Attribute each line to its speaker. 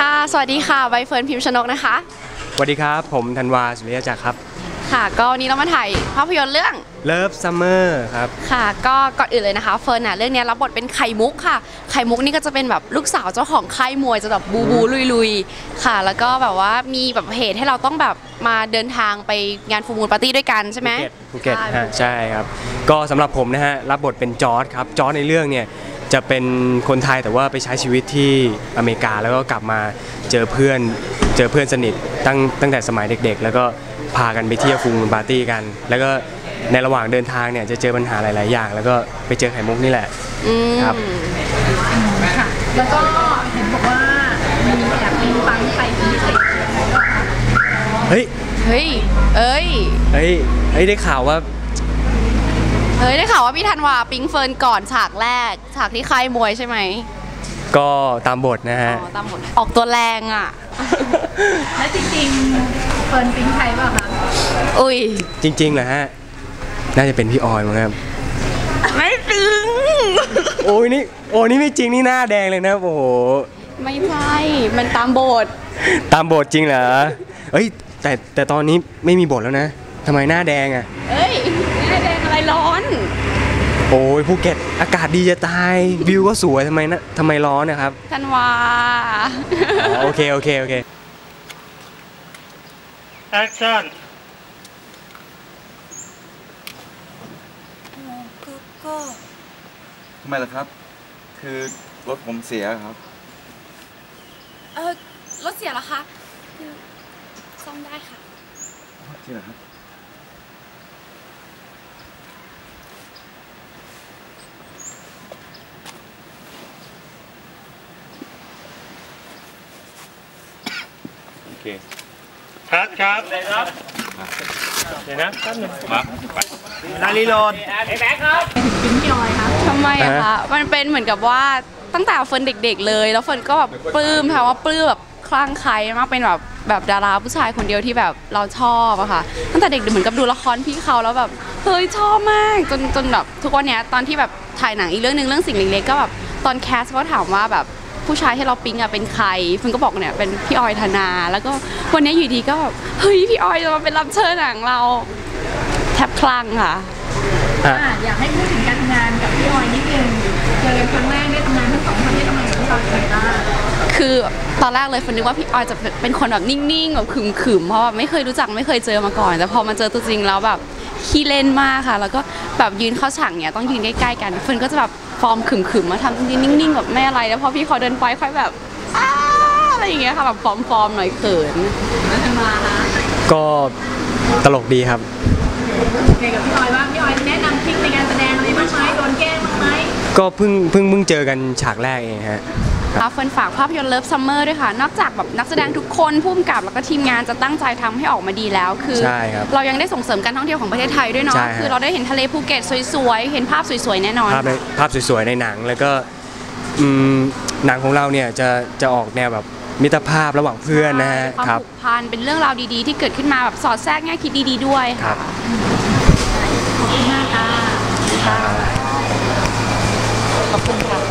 Speaker 1: ค่ะสวัสดีค่ะใบเฟิร์นพิมพ์ชนกนะคะ
Speaker 2: สวัสดีครับผมธันวาสุริยจักรครับ
Speaker 1: ค่ะก็วันนี้เรามาถ่ายภาพยนตร์เรื่อง
Speaker 2: Love Summer ครับ
Speaker 1: ค่ะก็ก่อนอื่นเลยนะคะเฟิร์นเรื่องนี้รับบทเป็นไข่มุกค่ะไข่มุกนี่ก็จะเป็นแบบลูกสาวเจ้าของค่ายมวยจะแบบบูลุยค่ะแล้วก็แบบว่ามีแบบเหตุให้เราต้องแบบมาเดินทางไปงานฟูมูลปาร์ตี้ด้วยกันใช่ไหม
Speaker 2: ภูเก็ตใช่ครับก็สำหรับผมนะฮะรับบทเป็นจอร์จครับจอร์จในเรื่องเนี่ยจะเป็นคนไทยแต่ว่าไปใช้ชีวิตที่อเมริกาแล้วก็กลับมาเจอเพื่อนสนิทตั้งแต่สมัยเด็กๆแล้วก็พากันไปเที่ยวฟูมูลปาร์ตี้กันแล้วก็ในระหว่างเดินทางเนี่ยจะเจอปัญหาหลายๆอย่างแล้วก็ไปเจอไข่มุกนี่แหละครับ
Speaker 3: ค่ะแล้วก็เห็นบอกว่ามีแอบมีฟังไทยพิเศษ
Speaker 2: เฮ้ยได้ข่าวว่า
Speaker 1: พี่ธันวาปิ๊งเฟิร์นก่อนฉากแรกฉากที่ค่ายมวยใช่ไหม
Speaker 2: ก็ตามบทนะฮะ
Speaker 1: ตามบทออกตัวแรงอ่ะ
Speaker 3: และจริงๆเฟิร์นปิ๊งไทยเปล่าคะ
Speaker 1: อุ้ย
Speaker 2: จริงๆเหรอฮะน่าจะเป็นพี่ออยมั้งครับ
Speaker 1: ไม่จริง
Speaker 2: โอ้ยนี่ไม่จริงนี่หน้าแดงเลยนะโอ้โห
Speaker 1: ไม่ใช่มันตามบท
Speaker 2: จริงเหรอเอ้ยแต่ตอนนี้ไม่มีบทแล้วนะทำไมหน้าแดงอ่ะ
Speaker 1: เอ้ยหน้าแดงอะไรร้อน
Speaker 2: โอ้ยภูเก็ตอากาศดีจะตายวิวก็สวยทำไมร้อนนะครับ
Speaker 1: ธันวา
Speaker 2: โอเค
Speaker 4: แอคชั่น
Speaker 5: ก็ทำไมล่ะครับคือรถผมเสียครับ
Speaker 1: รถเสียเหรอคะคือซ่อมได้ค่ะ
Speaker 5: จริงเหรอครับ
Speaker 4: โอเคครับเดี๋ยวนะแป๊บนึงมานารีโหลด
Speaker 3: แบ็คครับปิ๊งพี่ออยครับ
Speaker 1: ทำไมอะคะมันเป็นเหมือนกับว่าตั้งแต่เฟิร์นเด็กๆเลยแล้วเฟิร์นก็แบบปลื้มค่ะว่าปลื้มแบบคลั่งไคล้มากเป็นแบบดาราผู้ชายคนเดียวที่แบบเราชอบอะค่ะตั้งแต่เด็กเหมือนกับดูละครพี่เขาแล้วแบบเฮ้ยชอบมากจนแบบทุกวันนี้ตอนที่แบบถ่ายหนังอีกเรื่องนึงเรื่องสิ่งเล็กๆก็แบบตอนแคสก็ถามว่าแบบผู้ชายที่เราปิ๊งอะเป็นใครเฟิร์นก็บอกเนี่ยเป็นพี่ออยธนาแล้วก็วันนี้อยู่ดีก็แบบเฮ้ยพี่ออยจะมาเป็นรับเชิญหนังเราแทบคลั่งค่ะ
Speaker 3: อยากให้พูดถึงการทำงานกับพี่ออยนิดนึงเจอกันครั้งแรกได้ทำงานทั้งสองคนได้ทำงานกับพี่ออยยังไงบ้าง
Speaker 1: คือตอนแรกเลยคนนึกว่าพี่ออยจะเป็นคนแบบนิ่งๆแบบขึมๆเพราะว่าไม่เคยรู้จักไม่เคยเจอมาก่อนแต่พอมาเจอตัวจริงแล้วแบบขี้เล่นมากค่ะแล้วก็แบบยืนเข้าฉากเนี่ยต้องยืนใกล้ๆกันเฟิร์นก็จะแบบฟอร์มขึมๆมาทำยืนนิ่งๆแบบไม่อะไรแล้วพอพี่เขาเดินไปค่อยแบบอะไรอย่างเงี้ยค่ะแบบฟอร์มหน่อยเขิน
Speaker 3: แล้วทำมาคะ
Speaker 2: ก็ตลกดีครับ
Speaker 3: โอเคกับพี่ออยว่าพี่ออยแนะนำทริคในการแสดงอะไรบ้างไหมโดนแกล้งบ้างไหม
Speaker 2: ก็เพิ่งเจอกันฉากแรกเองฮะ
Speaker 1: เฟิร์นฝากภาพยนตร์ Love Summer ด้วยค่ะนอกจากแบบนักแสดงทุกคนผู้กำกับแล้วก็ทีมงานจะตั้งใจทำให้ออกมาดีแล้วคือเรายังได้ส่งเสริมการท่องเที่ยวของประเทศไทยด้วยเนาะคือเราได้เห็นทะเลภูเก็ตสวยๆเห็นภาพสวยๆแน่นอน
Speaker 2: ภาพสวยๆในหนังแล้วก็หนังของเราเนี่ยจะออกแนวแบบมิตรภาพระหว่างเพื่อนนะฮะ
Speaker 1: ความผูกพันเป็นเรื่องราวดีๆที่เกิดขึ้นมาแบบสอดแทรกแง่คิดดีๆด้วยค่ะ
Speaker 3: ขอบคุณมากค่ะ
Speaker 1: ขอบคุณค่ะ